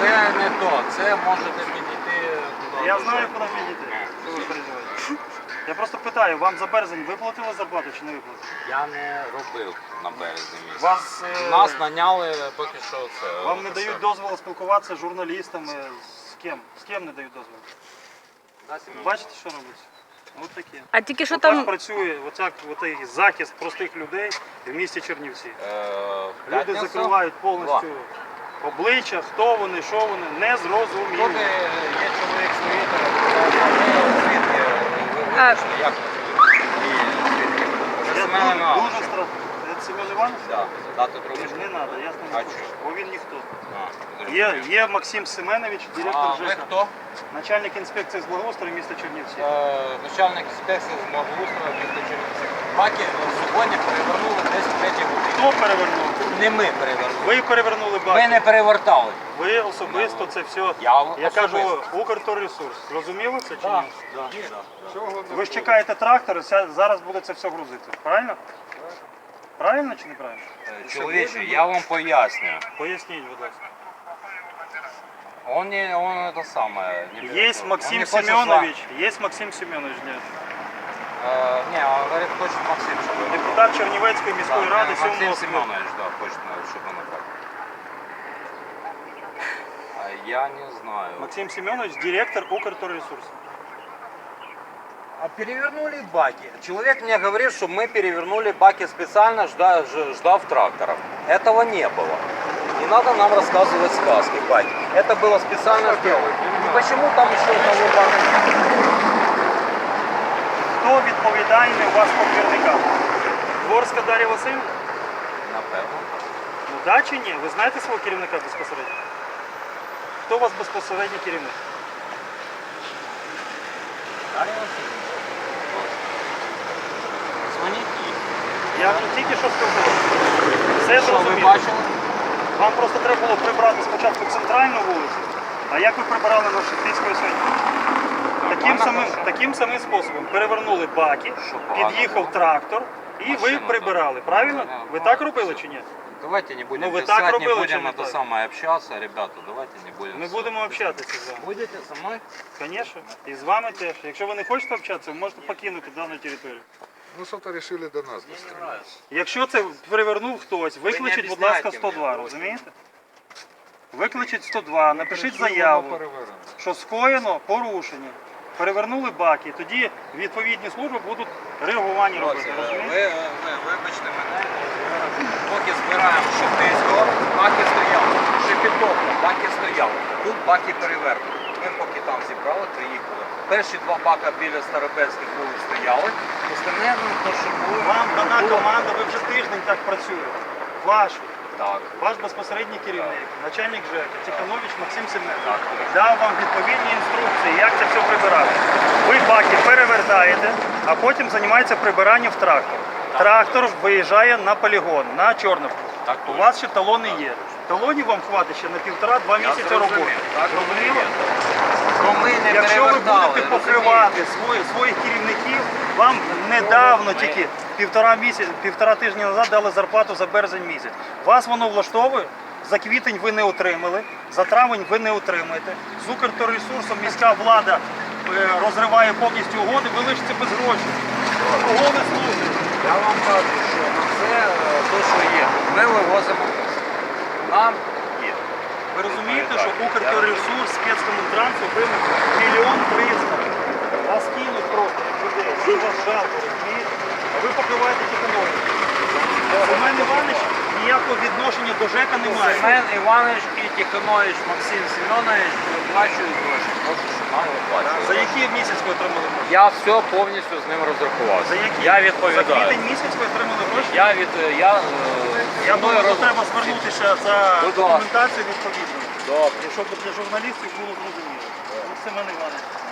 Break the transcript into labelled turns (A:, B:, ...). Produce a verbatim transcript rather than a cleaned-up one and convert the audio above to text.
A: це не то. Це можете підійти до...
B: Я знаю, куди підійти. Що ви переживаєте? Я просто питаю, вам за березень виплатили зарплату чи не виплатили?
A: Я не робив на березні місяці.
B: Вас, е,
A: Нас наняли поки що це.
B: Вам не дають дозволу спілкуватися з журналістами, з ким? З ким не дають дозволу? Бачите, що робиться? Ось таке.
C: А тільки що
B: Отак
C: там
B: працює оцяк, оцей захист простих людей в місті Чернівці.
A: Е,
B: Люди
A: п'ятницю?
B: закривають повністю обличчя, хто вони, що вони, не зрозуміло.
A: Тут е, є чоловік з Твіттера, звідки ви
C: А.
A: вийшли, як ви? І звідки? Це
B: Я
A: Семен
B: дуже,
A: Іванович.
B: дуже страшно. Це Семен Іванович?
A: Так, дати трубочку.
B: Не треба, ясно
A: А
B: не
A: чого?
B: хочу. Бо він ніхто.
A: А,
B: Є,
A: зрозумів.
B: є Максим Семенович, директор
A: А ви
B: ЖЕКа,
A: хто?
B: начальник інспекції з благоустрою міста Чернівці.
A: Е, Начальник інспекції з благоустрою міста Чернівці. Баки сьогодні перевернули десь в третій годині.
B: Хто перевернув?
A: Не ми перевернули.
B: Ви перевернули баки.
A: Ми не перевертали.
B: Ви особисто це все.
A: Я
B: Я
A: особисто.
B: кажу, Укрторресурс. Зрозуміло це чи
A: Так,
B: ні?
A: так.
B: Ви ж чекаєте трактор, ся- зараз буде це все грузити. Правильно? Правильно чи неправильно?
A: Чоловіче, я вам поясню.
B: Поясніть, будь ласка.
A: Он не, он это самое. Не берет.
B: Есть
A: Он
B: Максим
A: не хочет
B: Семенович, есть Максим Семенович, нет.
A: с вами. Э, не, он говорит, хочет Максим, чтобы...
B: Депутат Чернівецької міської
A: Да,
B: ради
A: Максим
B: сьомого скликання.
A: Семенович, да, хочет, чтобы он так. А я не знаю.
B: Максим Семенович, директор Укрторресурсу.
A: А перевернули баки. Человек мне говорит, что мы перевернули баки специально, жда, ж- ждав тракторов. Этого не было. Не надо нам рассказывать сказки, баки. Это было специально сделано. И почему там еще одного бака нет?
B: Хто відповідальний у вас по двірникам? Дворська Дар'я Васильівна?
A: Напевно.
B: Ну да чи ні? Ви знаєте свого керівника безпосередньо? Хто у вас безпосередній керівник?
A: Дар'я Васильівна. Дзвоніть їй.
B: Я вже тільки що сказав. Все
A: Що ви
B: зрозуміло.
A: бачили?
B: Вам просто треба було прибрати спочатку центральну вулицю, а як ви прибирали на Шептицької сьогодні? Таким
A: Нормально
B: самим,
A: хорошо.
B: таким самим способом перевернули баки,
A: Що погано
B: під'їхав
A: було?
B: трактор і ви
A: Машину,
B: прибирали,
A: так.
B: правильно?
A: Да,
B: Ви
A: да,
B: так
A: да,
B: робили
A: все.
B: чи ні?
A: Давайте не будем
B: Ну, вы
A: писать,
B: так
A: не
B: робили,
A: будем
B: чи не
A: это
B: так?
A: самое общаться, ребята, давайте не будем.
B: Ми будемо общатися з вами.
A: Будете со мной?
B: Звісно. І з вами теж. Якщо ви не хочете общатися, ви можете покинути дану територію.
D: Ну что-то решили до нас достроить.
B: Якщо це перевернув хтось, викличіть, будь ласка,
A: об'ясняйте
B: сто два,
A: мені,
B: розумієте? Викличіть сто два, напишіть заяву, що скоєно порушення. Перевернули баки, тоді відповідні служби будуть реагування робити,
A: Ви,
B: розумієте?
A: ви, ви вибачте мене, поки збираємо Шептицького, баки стояли. Шепетовка, баки стояли. Тут баки перевернуті. Ми поки там зібрали, приїхали. Перші два бака біля Старобельських вулиць стояли, остальне, ну, то, що було...
B: Вам дана
A: було.
B: команда, ви вже тиждень так працюєте. Ваш,
A: Так.
B: ваш безпосередній керівник, начальник ЖЕКа, Тиханович Максим Семенович,
A: Так.
B: дав вам відповідні інструкції, як це все прибирати. Ви баки перевертаєте, а потім займається прибиранням в трактор. Трактор виїжджає на полігон, на Чорновку.
A: Так,
B: У вас ще талони є. Талонів вам хватить ще на півтора-два
A: Я
B: місяці
A: зрозумів.
B: роботи.
A: Так,
B: Зрозуміло?
A: Ну, ми не
B: Якщо ви
A: перевертали,
B: будете
A: розумієте?
B: покривати свої, своїх керівників, вам недавно тільки півтора місяць, півтора тижні назад дали зарплату за березень місяць. Вас воно влаштовує? За квітень ви не отримали, за травень ви не отримаєте. З Укрторресурсом міська влада е, розриває повністю угоди, ви лишите без грошей. Кого ви служите?
A: Я вам кажу, що на все е, те, що є, ми вивозимо. Нам є.
B: Ви розумієте, що Укрторресурс спецкомунтрансу вимог мільйон триста. Вас кинуть просто людей, що вас жалко, розумієте? А ви покриваєте Тихановича. Семен Іванович ніякого відношення до ЖЕКа немає.
A: Семен Іванович і Тиханович Максим Семенович виплачують гроші. Просто що нам
B: За
A: виплачують.
B: який місяць ви отримали гроші?
A: Я все повністю з ним розрахувався.
B: За який?
A: Я
B: За
A: відповідаю.
B: квітень місяць ви отримали гроші?
A: Я від я, е,
B: Я
A: мною
B: думаю, що
A: роз-
B: треба звернутися за
A: Будь ласка.
B: документацією відповідно.
A: Добре.
B: І щоб для журналістів було зрозуміло. Ну, Семен Іванович.